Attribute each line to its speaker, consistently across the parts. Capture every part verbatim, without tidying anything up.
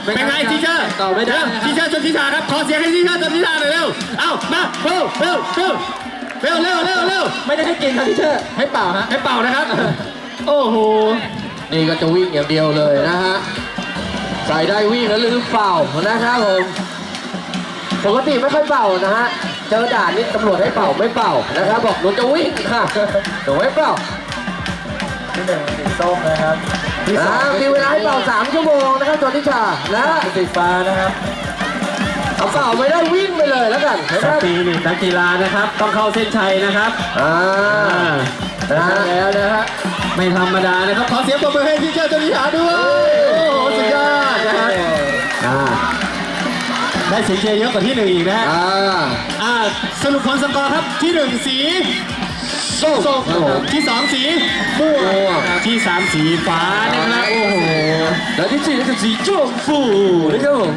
Speaker 1: เป็นไงทีเชอร์ต่อไม่ได้ทีเชอร์ชนทิชาครับขอเสียงให้ทีเชอร์ชนทิชาหน่อยเร็วเอ้ามาเร็วเร็วเร็วเร็วเร็วเร็วเร็วไม่ได้ให้กินครับทีเชอร์ให้เป่าฮะให้เป่านะครับโอ้โห
Speaker 2: นี่ก็จะวิ่งอย่างเดียวเลยนะฮะใส่ได้วิ่งแล้วลืมเป่านะครับผมปกติไม่ค่อยเป่านะฮะเจอด่านนี่ตำรวจให้เป่าไม่เป่านะครับบอกหนูจะวิ่งค่ะหนูไม่เป่า
Speaker 1: ที่หนึ่งสีส้มนะครับ
Speaker 2: มีเวลาให้เป่าสามชั่วโมงนะครับจอนิชานะ
Speaker 1: สีฟ้านะครับ
Speaker 2: เอาเป่าไม่ได้วิ่งไปเลยแล้วกัน
Speaker 1: สปีริตนักกีฬานะครับต้องเข้าเส้นชัยนะครับ
Speaker 2: อ่า
Speaker 1: แล้วนะฮะไม่ธรรมดานะครับขอเสียงปรบมือให้ทีเชอร์จอนิชาด้วยโอ้โหสุดยอดนะครับได้เสียงเชียร์เยอะกว่าที่หนึ่งอีกนะ
Speaker 2: อ่า
Speaker 1: อ่าสรุปผลสกอร์ครับที่หนึ่งสีส้มที่สองสีม่วงที่สามสีฟ้านะครับโอ้โห
Speaker 2: แล้วที่สี่คือสีชมพูนะครับผม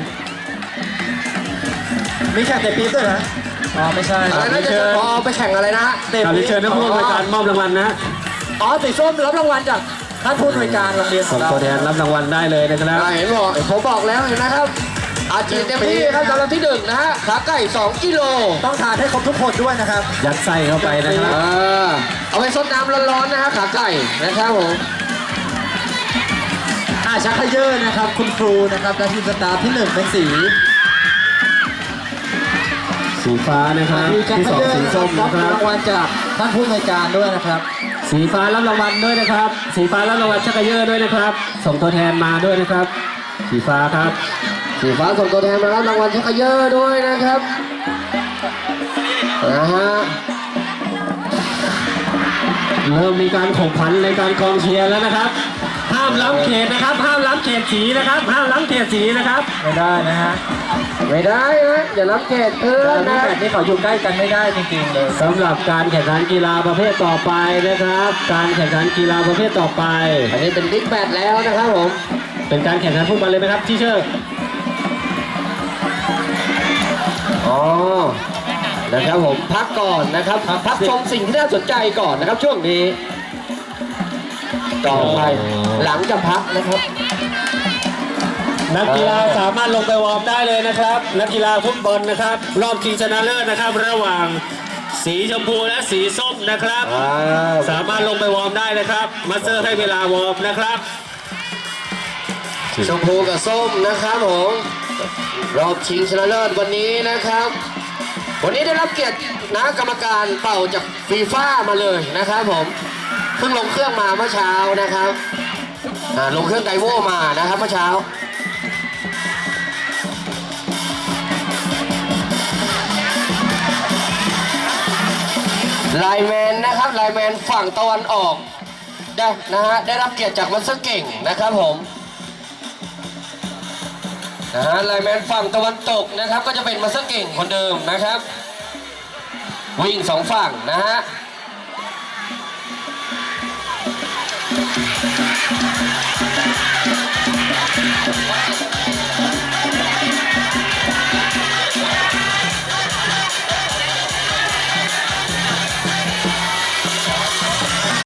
Speaker 1: ไม่ใช่แต่ปีเตอร์นะอ๋อไม่ใช่
Speaker 2: อะไรนะจะพอไปแข่งอะไรนะ
Speaker 1: เตะเชิญนักผู้บริการมอบรางวัลนะ
Speaker 2: อ๋อสีส้มรับรางวัลจากท่านผู้บริการโรงเรียน
Speaker 1: ของเราตัวแทนรับรางวัลได้เลยนะครับ
Speaker 2: เห็นบอกผมบอกแล้วเห็นนะครับอาจีเต็มที่ครับสำหรับที่หนึ่งนะฮะขาไก่สองกิโล
Speaker 1: ต้องทานให้ครบทุกคนด้วยนะครับยัดไส้เข้าไปนะครับ
Speaker 2: เอาไปซดน้ำร้อนๆนะฮะขาไก่นะครับผม
Speaker 1: อาชักขยเยอร์นะครับคุณครูนะครับและทีมสตาร์ที่หนึ่งเป็นสีสีฟ้านะครับที่สองสีส้มนะครับรางวัลจากท่านผู้บริการด้วยนะครับสีฟ้ารับรางวัลด้วยนะครับสีฟ้ารับรางวัลชักขยเยอร์ด้วยนะครับส่งตัวแทนมาด้วยนะครับสีฟ้าครับ
Speaker 2: สีฟ้าส่งตัวแทนมารับรางวัลชักขยเยอร์ด้วยนะครับนะฮะ
Speaker 1: เริ่มมีการข่มขันในการกองเชียร์แล้วนะครับห้ามล้ำเขตนะครับห้ามล้ำเขตสีนะครับห้ามล้ำเขตสีนะครับไม่ได้นะฮะ
Speaker 2: ไม่ได้นะอย่าล้ำเขตเพื่อนนะ
Speaker 1: แบบนี้เขาอยู่ใกล้กันไม่ได้จริงๆเลยสำหรับการแข่งขันกีฬาประเภทต่อไปนะครับการแข่งขันกีฬาประเภทต่อไป
Speaker 2: อันนี้เป็นบิ๊กแบดแล้วนะครับผม
Speaker 1: เป็นการแข่งขันฟุตบอลเลยไหมครับที่เชื่อ
Speaker 2: อ๋อนะครับผมพักก่อนนะครับพักชมสิ่งที่น่าสนใจก่อนนะครับช่วงนี้ต่อไปหลังจะพักนะครับ
Speaker 1: นักกีฬาสามารถลงไปวอร์มได้เลยนะครับนักกีฬาฟุตบอลนะครับรอบชิงชนะเลิศนะครับระหว่างสีชมพูและสีส้มนะครับสามารถลงไปวอร์มได้นะครับมาสเตอร์ให้เวลาวอร์มนะครับ
Speaker 2: ชมพูกับส้มนะครับผมรอบชิงชนะเลิศวันนี้นะครับวันนี้ได้รับเกียรตินะกรรมการเป่าจากฟีฟ่ามาเลยนะครับผมเพิ่งลงเครื่องมาเมื่อเช้านะครับลงเครื่องไดโวมานะครับเมื่อเช้าไลแมนนะครับไลแมนฝั่งตะวันออกได้นะฮะได้รับเกียรติจากมัสเตอร์เก่งนะครับผมนะฮะไลแมนฝั่งตะวันตกนะครับก็จะเป็นมัสเตอร์เก่งคนเดิมนะครับวิ่งสองฝั่งนะฮะ